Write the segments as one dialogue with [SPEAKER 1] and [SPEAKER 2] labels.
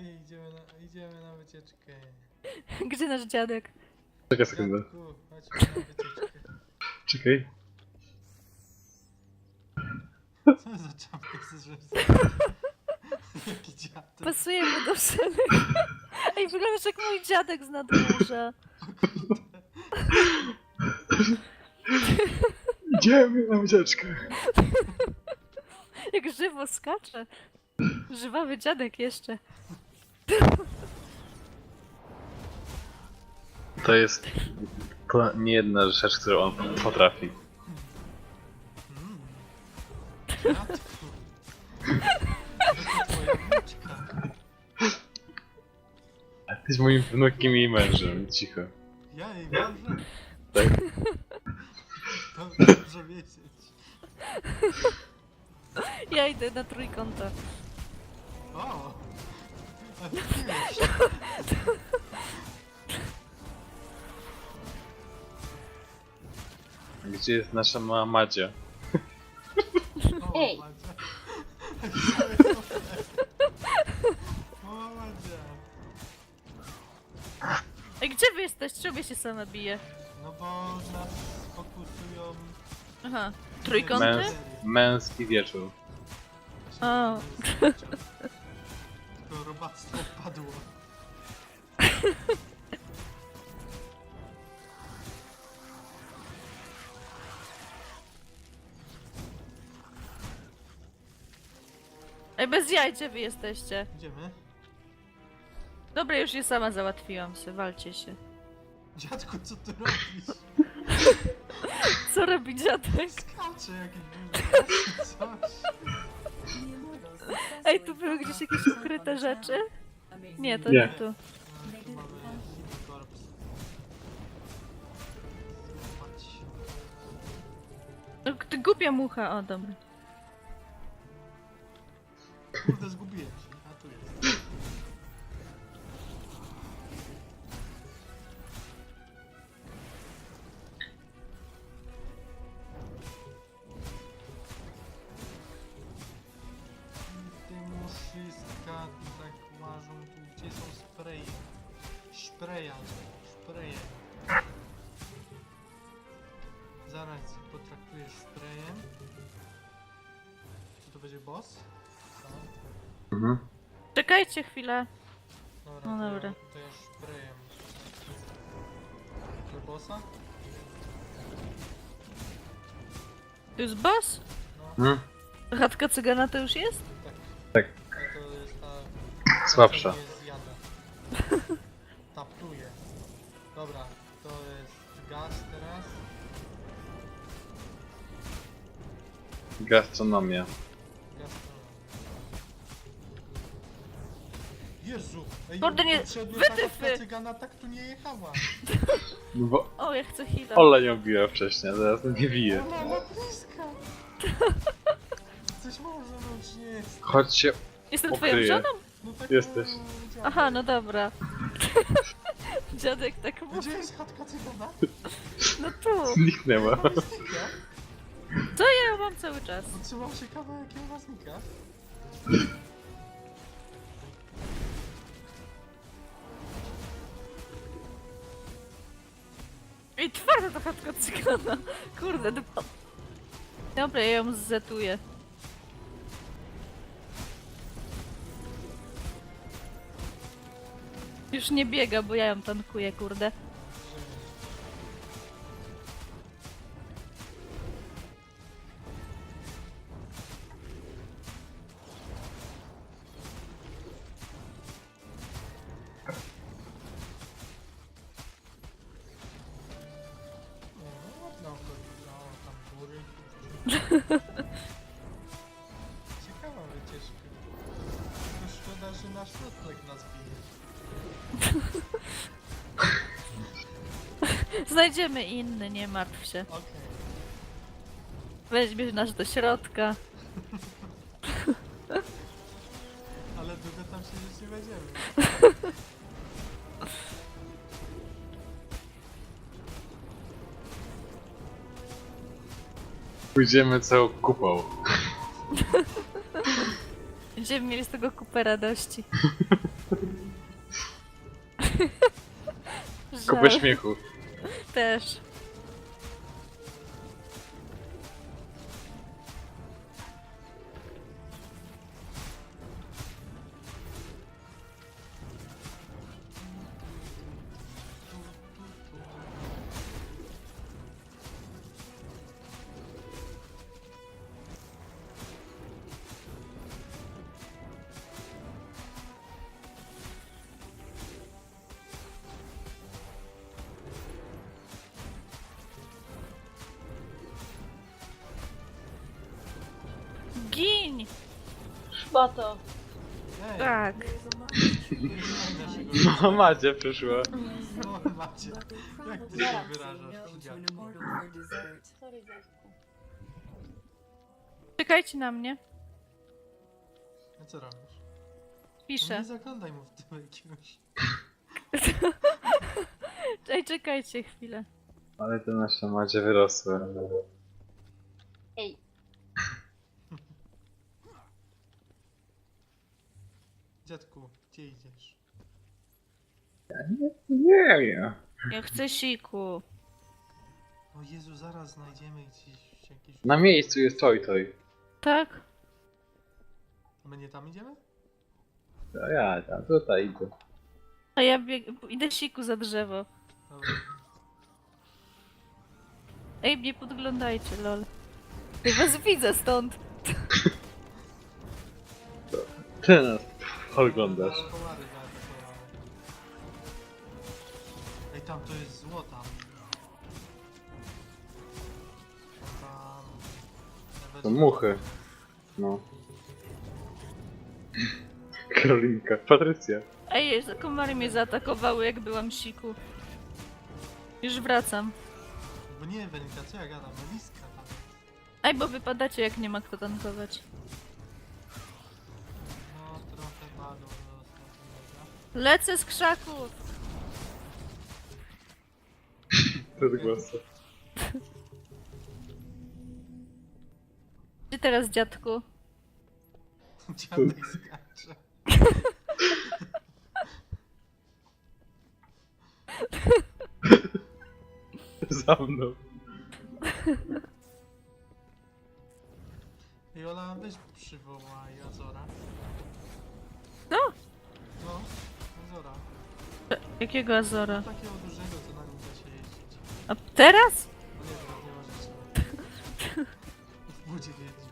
[SPEAKER 1] Idziemy na wycieczkę.
[SPEAKER 2] Gdzie nasz dziadek?
[SPEAKER 3] Czekaj sekundę.
[SPEAKER 1] Dziadku, chodźmy na wycieczkę.
[SPEAKER 3] Czekaj.
[SPEAKER 1] Co za czapkę chcesz, żeby jaki dziadek?
[SPEAKER 2] Pasuje mu do wszelek. Ej, wyglądasz jak mój dziadek z nadmorza.
[SPEAKER 3] Idziemy na wycieczkę.
[SPEAKER 2] Jak żywo skacze. Żywawy dziadek jeszcze.
[SPEAKER 3] To jest nie jedna rzecz, którą on potrafi.
[SPEAKER 1] Dziadku. To twoja wnuczka.
[SPEAKER 3] A ty jesteś moim wnukiem i mężem. Cicho.
[SPEAKER 1] Ja jej mężem?
[SPEAKER 3] Tak?
[SPEAKER 1] To dobrze wiedzieć.
[SPEAKER 2] Ja idę na trójkąta.
[SPEAKER 1] O! A ty wiesz.
[SPEAKER 3] Gdzie jest nasza mała Madzia?
[SPEAKER 1] O,
[SPEAKER 4] Ej.
[SPEAKER 1] Madzia. O, Madzia.
[SPEAKER 2] Ej, gdzie wy jesteście? Czemu ja się sama bije?
[SPEAKER 1] No bo nas fokusują...
[SPEAKER 2] Aha. Trójkąty?
[SPEAKER 3] Męski wieczór.
[SPEAKER 2] O.
[SPEAKER 1] To robactwo padło.
[SPEAKER 2] Ej, bez jaj, gdzie wy jesteście?
[SPEAKER 1] Idziemy?
[SPEAKER 2] Dobra, już je sama załatwiłam się, walcie się.
[SPEAKER 1] Dziadku, co ty robisz?
[SPEAKER 2] Co robi dziadek?
[SPEAKER 1] Skacze jakiś bułek, coś.
[SPEAKER 2] Ej, tu były gdzieś jakieś ukryte rzeczy? Nie, to
[SPEAKER 3] Nie.
[SPEAKER 2] nie tu.
[SPEAKER 1] Tu mamy Hidden Corpse. Patrz.
[SPEAKER 2] No, ty głupia mucha, o dobra.
[SPEAKER 1] Kurde, zgubiłem się. A tu jest. Te muszyska tak łażą tu, gdzie są spreje. Szpreje. Zaraz potraktujesz sprejem. Czy to będzie boss? Tak.
[SPEAKER 3] Mhm.
[SPEAKER 2] Czekajcie chwilę.
[SPEAKER 1] Dobra,
[SPEAKER 2] No dobra.
[SPEAKER 1] To ja szprejem. Do bossa?
[SPEAKER 2] Tu jest boss?
[SPEAKER 1] No,
[SPEAKER 3] Mhm.
[SPEAKER 2] Chatka cygana to już jest?
[SPEAKER 3] Tak.
[SPEAKER 1] to jest ta...
[SPEAKER 3] Słabsza.
[SPEAKER 1] co mnie zjada. Taptuje. Dobra, to jest gaz teraz.
[SPEAKER 3] Gastronomia.
[SPEAKER 1] Gastronomia. Jezu! Ej,
[SPEAKER 2] Kurde, nie-
[SPEAKER 1] poprzednio
[SPEAKER 2] wytyfy!
[SPEAKER 1] ta cygana tak tu nie jechała.
[SPEAKER 3] No bo
[SPEAKER 2] O, ja chcę heal'a.
[SPEAKER 3] Ola ją biła wcześniej, a teraz nie bije.
[SPEAKER 1] Ona ma bliska! Coś może, no czy nie jest?
[SPEAKER 3] Chodźcie.
[SPEAKER 2] Jestem
[SPEAKER 3] ukryję.
[SPEAKER 2] twoją żoną?
[SPEAKER 1] No tak
[SPEAKER 3] Jesteś.
[SPEAKER 1] działa.
[SPEAKER 2] Aha, no dobra. Dziadek tak mówi.
[SPEAKER 1] Gdzie jest chatka cygana?
[SPEAKER 2] No tu.
[SPEAKER 3] Zniknęła.
[SPEAKER 1] Ona znika.
[SPEAKER 2] Co ja ją mam cały czas?
[SPEAKER 1] Trzymał się kawałek i ona znika.
[SPEAKER 2] Ej, twarda ta chatka cygana. Kurde, dupa. Dobra, ja ją zetuję. Już nie biega, bo ja ją tankuję, kurde.
[SPEAKER 1] Nie, no ładna okolica, o, tam góry. Ciekawa wycieczka. Tylko szkoda, że nasz nocleg nas bije.
[SPEAKER 2] Znajdziemy inny, nie martw się.
[SPEAKER 1] Okej.
[SPEAKER 2] Weźmiesz nas do środka.
[SPEAKER 1] Ale długo tam siedzieć nie będziemy.
[SPEAKER 3] Pójdziemy całą kupą.
[SPEAKER 2] Będziemy mieli z tego kupę radości.
[SPEAKER 3] Kupę
[SPEAKER 2] Żal.
[SPEAKER 3] śmiechu.
[SPEAKER 2] Też. Gin!
[SPEAKER 4] Szmato.
[SPEAKER 1] Ej,
[SPEAKER 2] Tak.
[SPEAKER 3] No Macie przyszła.
[SPEAKER 1] no macie. Jak ty się wyrażasz, dziadku?
[SPEAKER 4] Sorry, dziadku.
[SPEAKER 2] Czekajcie na mnie.
[SPEAKER 1] A co robisz? No
[SPEAKER 2] Piszę.
[SPEAKER 1] nie zaglądaj mu w tył jakiegoś.
[SPEAKER 2] Ej, czekajcie chwilę.
[SPEAKER 3] Ale te nasze Macie wyrosły.
[SPEAKER 4] Ej,
[SPEAKER 1] Dziadku, gdzie idziesz?
[SPEAKER 3] Nie wiem.
[SPEAKER 2] Ja chcę siku.
[SPEAKER 1] O Jezu, zaraz znajdziemy gdzieś jakieś...
[SPEAKER 3] Na miejscu jest toj.
[SPEAKER 2] Tak?
[SPEAKER 1] A my nie tam idziemy?
[SPEAKER 3] To ja tam tutaj idę.
[SPEAKER 2] A ja idę siku za drzewo.
[SPEAKER 1] Dobra.
[SPEAKER 2] Ej, mnie podglądajcie, lol. Ja was widzę stąd.
[SPEAKER 3] Ty nas oglądasz.
[SPEAKER 1] Ale komary zaatakowały. Ej, tam to jest złota. Tam...
[SPEAKER 3] To muchy. No. Karolinka. Patrycja.
[SPEAKER 2] Ej, komary mnie zaatakowały, jak byłam siku. Już wracam.
[SPEAKER 1] Bo nie, Welinka, co ja gadam? Meliska tam.
[SPEAKER 2] Ej, bo wypadacie, jak nie ma kto tankować.
[SPEAKER 1] No, trochę padło do ostatniego.
[SPEAKER 2] Lecę z krzaków!
[SPEAKER 3] Bez głosu.
[SPEAKER 2] Gdzie teraz, dziadku?
[SPEAKER 1] Dziadek skacze.
[SPEAKER 3] Za mną.
[SPEAKER 1] Jola, weź przywołaj Azora.
[SPEAKER 2] No?
[SPEAKER 1] No, Azora.
[SPEAKER 2] Jakiego Azora?
[SPEAKER 1] Takiego dużego, co na nim da się jeździć.
[SPEAKER 2] A teraz?
[SPEAKER 1] No nie, teraz nie możesz. W budzie jeździ.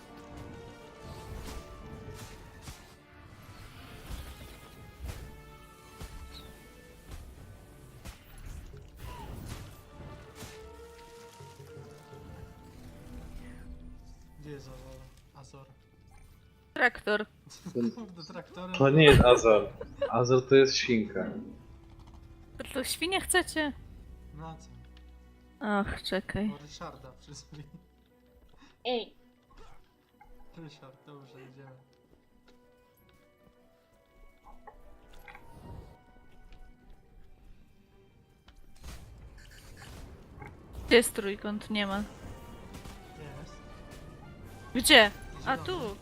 [SPEAKER 1] Gdzie jest Azor? Azor.
[SPEAKER 2] Traktor.
[SPEAKER 1] Kurde, traktorem.
[SPEAKER 3] To nie jest Azor. Azor to jest świnka.
[SPEAKER 2] To świnie chcecie?
[SPEAKER 1] Na co?
[SPEAKER 2] Ach, czekaj.
[SPEAKER 1] O Ryszarda przyzwij.
[SPEAKER 4] ej.
[SPEAKER 1] Ryszard, dobrze, idziemy.
[SPEAKER 2] Gdzie jest trójkąt? Nie ma.
[SPEAKER 1] Jest.
[SPEAKER 2] Gdzie? A
[SPEAKER 1] Zielony.
[SPEAKER 2] tu.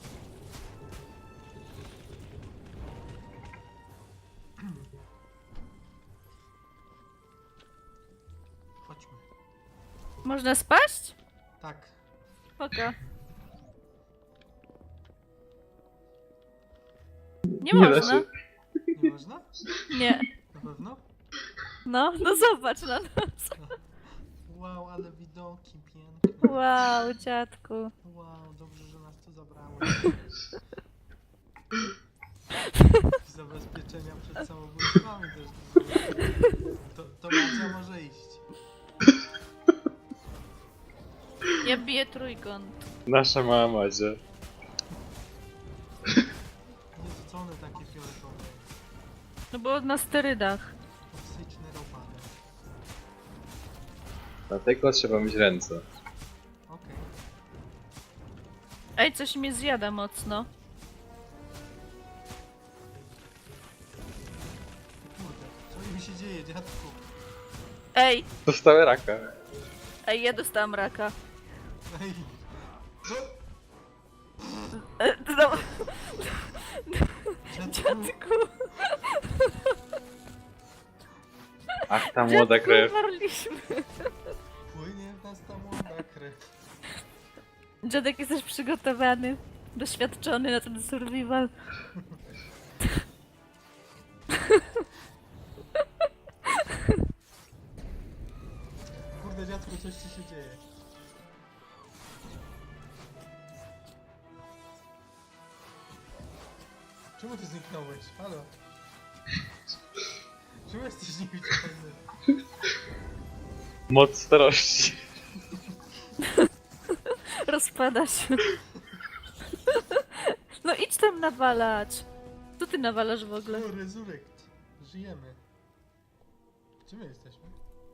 [SPEAKER 1] Chodźmy.
[SPEAKER 2] Można spaść?
[SPEAKER 1] Tak.
[SPEAKER 2] Spoko. Nie
[SPEAKER 3] Nie da
[SPEAKER 2] można.
[SPEAKER 3] się.
[SPEAKER 1] Nie można?
[SPEAKER 2] Nie.
[SPEAKER 1] Na pewno?
[SPEAKER 2] No, no zobacz na nas.
[SPEAKER 1] Wow, ale widoki piękne.
[SPEAKER 2] Wow, dziadku.
[SPEAKER 1] Wow, dobrze, że nas tu zabrało. Zabezpieczenia przed samobójstwami też. To Macia może iść.
[SPEAKER 2] Ja biję trójkąt.
[SPEAKER 3] Nasza mała Macie.
[SPEAKER 1] Jezu, co one takie fioletowe?
[SPEAKER 2] No bo na sterydach.
[SPEAKER 1] Toksyczne robale.
[SPEAKER 3] Dlatego trzeba mieć ręce.
[SPEAKER 1] Okej.
[SPEAKER 2] Ej, coś mnie zjada mocno.
[SPEAKER 1] Kurde, co mi się dzieje, dziadku?
[SPEAKER 2] Ej,
[SPEAKER 3] Dostałem raka.
[SPEAKER 2] ej, ja dostałam raka.
[SPEAKER 1] Ej!
[SPEAKER 2] No,
[SPEAKER 1] Dziadku!
[SPEAKER 2] dziadku.
[SPEAKER 3] Ach, ta młoda krew.
[SPEAKER 2] Umarliśmy.
[SPEAKER 1] Płynie w nas ta młoda krew.
[SPEAKER 2] Dziadek, jesteś przygotowany, doświadczony na ten survival.
[SPEAKER 1] Kurde dziadku, coś ci się dzieje. Czemu ty zniknąłeś? Halo? Czemu jesteś niewidzialny?
[SPEAKER 3] Moc starości.
[SPEAKER 2] Rozpada się. No idź tam nawalać. Co ty nawalasz w ogóle?
[SPEAKER 1] O, resurrect. Żyjemy. Gdzie my jesteśmy?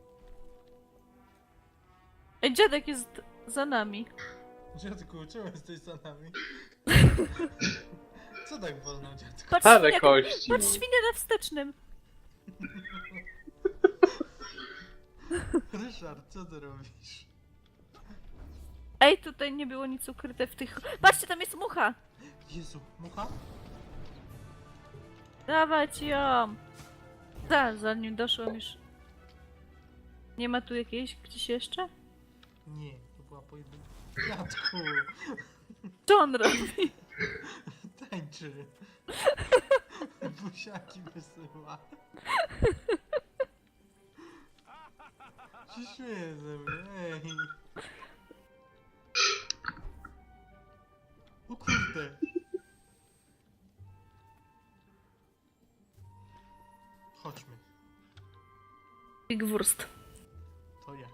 [SPEAKER 2] Ej, dziadek jest za nami.
[SPEAKER 1] Dziadku, czemu jesteś za nami? Co tak wolno, dziadku?
[SPEAKER 2] Patrz,
[SPEAKER 3] Stare
[SPEAKER 2] świnia,
[SPEAKER 3] kości.
[SPEAKER 2] patrz świnię na wstecznym.
[SPEAKER 1] Ryszard, co ty robisz?
[SPEAKER 2] Ej, tutaj nie było nic ukryte w tych... Patrzcie, tam jest mucha!
[SPEAKER 1] Jezu, mucha?
[SPEAKER 2] Dawać ją! Zanim doszłam już... Nie ma tu jakiejś gdzieś jeszcze?
[SPEAKER 1] Nie, to była pojedynka. Dziadku,
[SPEAKER 2] Co on robi?
[SPEAKER 1] tańczy. Buziaki wysyła. Się śmieje ze mnie, ej. O kurde. Chodźmy,
[SPEAKER 2] Big Wurst.
[SPEAKER 1] to ja.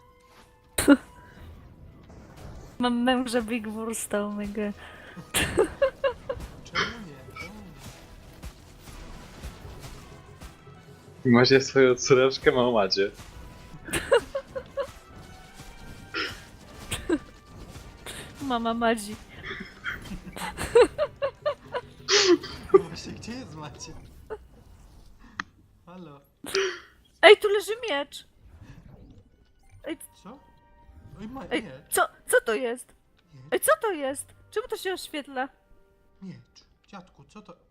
[SPEAKER 2] Mam męża Big Wursta, omega.
[SPEAKER 1] Czemu nie? Czemu nie?
[SPEAKER 3] Macie swoją córeczkę, małą macie.
[SPEAKER 2] Mama Madzi.
[SPEAKER 1] No właśnie, gdzie jest Macie? Halo?
[SPEAKER 2] Ej, tu leży miecz!
[SPEAKER 1] Co? Oj,
[SPEAKER 2] Ej,
[SPEAKER 1] nie.
[SPEAKER 2] co to jest?
[SPEAKER 1] Nie.
[SPEAKER 2] Ej, co to jest? Czemu to się oświetla?
[SPEAKER 1] Miecz. Dziadku, co to?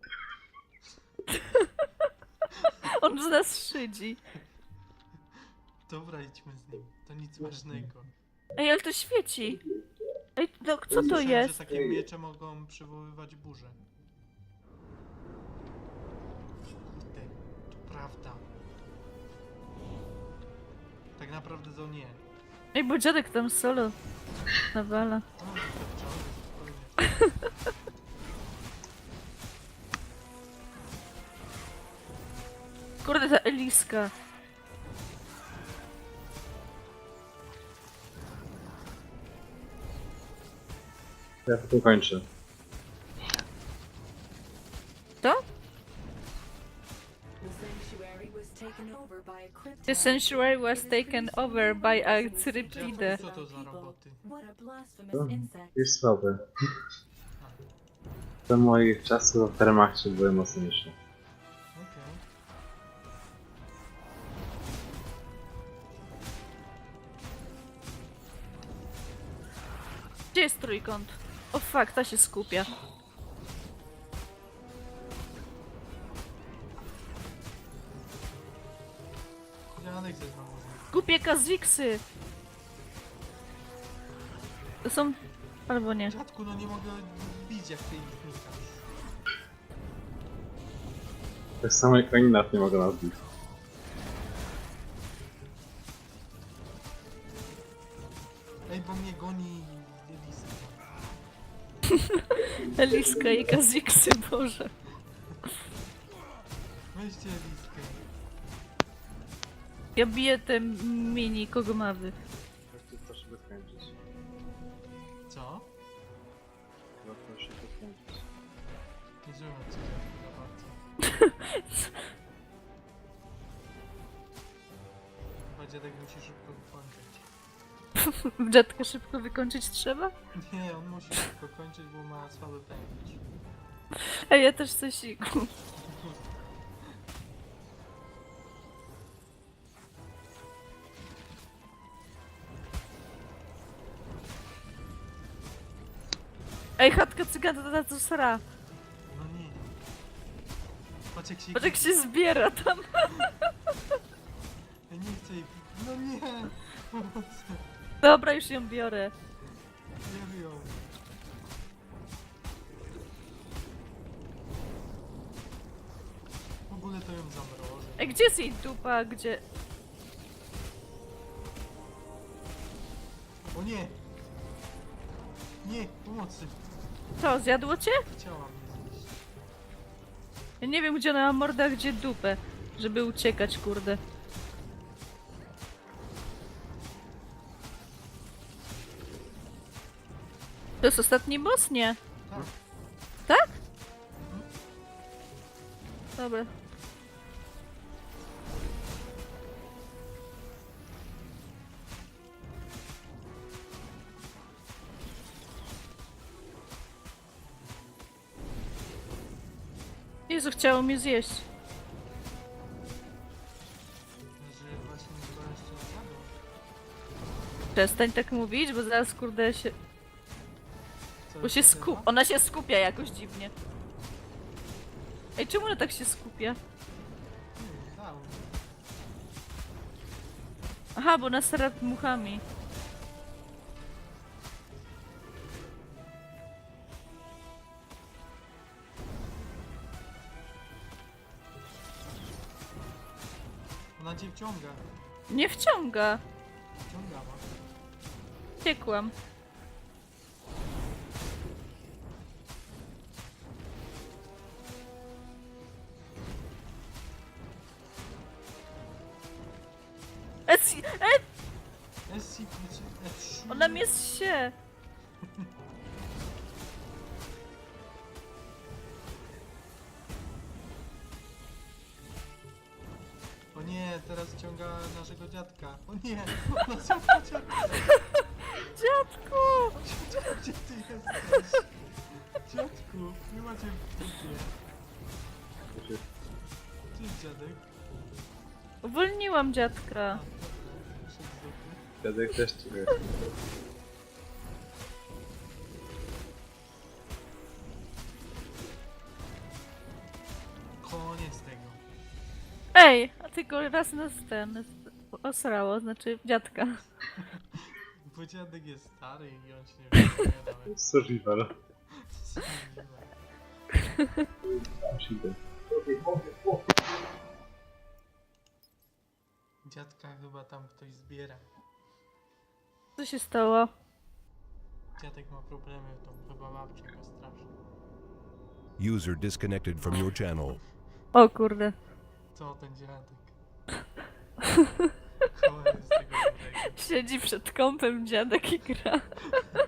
[SPEAKER 2] On z nas szydzi.
[SPEAKER 1] Dobra, idźmy z nim. To nic ważnego.
[SPEAKER 2] Ej, ale to świeci. Ej, no, co to
[SPEAKER 1] Słyszałem,
[SPEAKER 2] jest?
[SPEAKER 1] że takie miecze mogą przywoływać burzę. Kurde, to prawda. Tak naprawdę to nie.
[SPEAKER 2] Ej, bo dziadek tam solo nawala.
[SPEAKER 1] O, doświadczony, spokojnie.
[SPEAKER 2] Kurde, ta Eliska.
[SPEAKER 3] Ja to kończę.
[SPEAKER 2] To?
[SPEAKER 5] The sanctuary was taken over by a
[SPEAKER 2] The sanctuary was taken over by a Cyriplidę.
[SPEAKER 1] Dziadku, co to za roboty?
[SPEAKER 3] Jest słabe. Do moich czasów w Wehrmachcie były mocniejsze.
[SPEAKER 1] Okej.
[SPEAKER 2] Gdzie jest trójkąt? O fuck, ta się skupia.
[SPEAKER 1] Dziadek ze znowu znikł.
[SPEAKER 2] Głupie kaziksy! To są... Albo nie.
[SPEAKER 1] Dziadku, no nie mogę bić jak ty ich znikasz.
[SPEAKER 3] Tak samo jak oni nas nie mogą nas bić.
[SPEAKER 1] Ej, bo mnie goni Eliska.
[SPEAKER 2] Eliska i kaziksy, Boże.
[SPEAKER 1] Weźcie Eliskę.
[SPEAKER 2] Ja biję te mini kogomawy.
[SPEAKER 3] Proszę to skończyć.
[SPEAKER 1] Co?
[SPEAKER 3] Proszę to skończyć.
[SPEAKER 1] Nie żyłem cię za bardzo. Chyba dziadek musi szybko wykończyć.
[SPEAKER 2] Dziadka szybko wykończyć trzeba?
[SPEAKER 1] Nie, on musi szybko kończyć, bo ma słaby pęcherz.
[SPEAKER 2] A ja też coś siku. Ej, chatka cygana to na co sra.
[SPEAKER 1] No nie. Patrz jak się...
[SPEAKER 2] Patrz jak się zbiera tam.
[SPEAKER 1] Pomocy! No nie! Pomocy!
[SPEAKER 2] Dobra, już ją biorę.
[SPEAKER 1] Nie wyjął. W ogóle to ją zamroży.
[SPEAKER 2] Ej, gdzie jest jej dupa? a Gdzie?
[SPEAKER 1] O nie! Nie! Pomocy!
[SPEAKER 2] Co, zjadło cię?
[SPEAKER 1] Chciała mnie zjeść.
[SPEAKER 2] Ja nie wiem, gdzie ona ma mordę, a gdzie dupę. Żeby uciekać, kurde. To jest ostatni boss? Nie.
[SPEAKER 1] Tak.
[SPEAKER 2] Tak? Dobra. Jezu, chciało mnie zjeść.
[SPEAKER 1] Że właśnie chyba jeszcze nie zjadła.
[SPEAKER 2] Przestań tak mówić, bo zaraz kurde się...
[SPEAKER 1] Co,
[SPEAKER 2] Bo się
[SPEAKER 1] jeszcze
[SPEAKER 2] skup...
[SPEAKER 1] zjadła?
[SPEAKER 2] Ona się skupia jakoś dziwnie. Ej, czemu ona tak się skupia?
[SPEAKER 1] Dał.
[SPEAKER 2] Aha, bo nas rad muchami.
[SPEAKER 1] Ona cię wciąga.
[SPEAKER 2] Nie wciąga.
[SPEAKER 1] Wciągała.
[SPEAKER 2] Ciekłam.
[SPEAKER 1] Essi, essi.
[SPEAKER 2] Ona mnie się.
[SPEAKER 1] O nie, teraz ciąga naszego dziadka. O nie, ona ciąga dziadka.
[SPEAKER 2] Dziadku!
[SPEAKER 1] Gdzie ty jesteś? Dziadku, nie macie w dupie. Gdzie jest dziadek?
[SPEAKER 2] Uwolniłam dziadka.
[SPEAKER 1] A, dobra, wyszedł z dupy.
[SPEAKER 3] Dziadek też ciebie.
[SPEAKER 1] Koniec tego.
[SPEAKER 2] Ej, a tylko raz nas ten osrało, znaczy dziadka.
[SPEAKER 1] Bo dziadek jest stary i on się nie wypowie nawet.
[SPEAKER 3] Survival.
[SPEAKER 1] Dziadka chyba tam ktoś zbiera.
[SPEAKER 2] Co się stało?
[SPEAKER 1] Dziadek ma problemy, to chyba babcia go straszy.
[SPEAKER 6] User disconnected from your channel.
[SPEAKER 2] O kurde.
[SPEAKER 1] Co ten dziadek? Cholera z tego dobrego.
[SPEAKER 2] Siedzi przed kąpem dziadek i gra.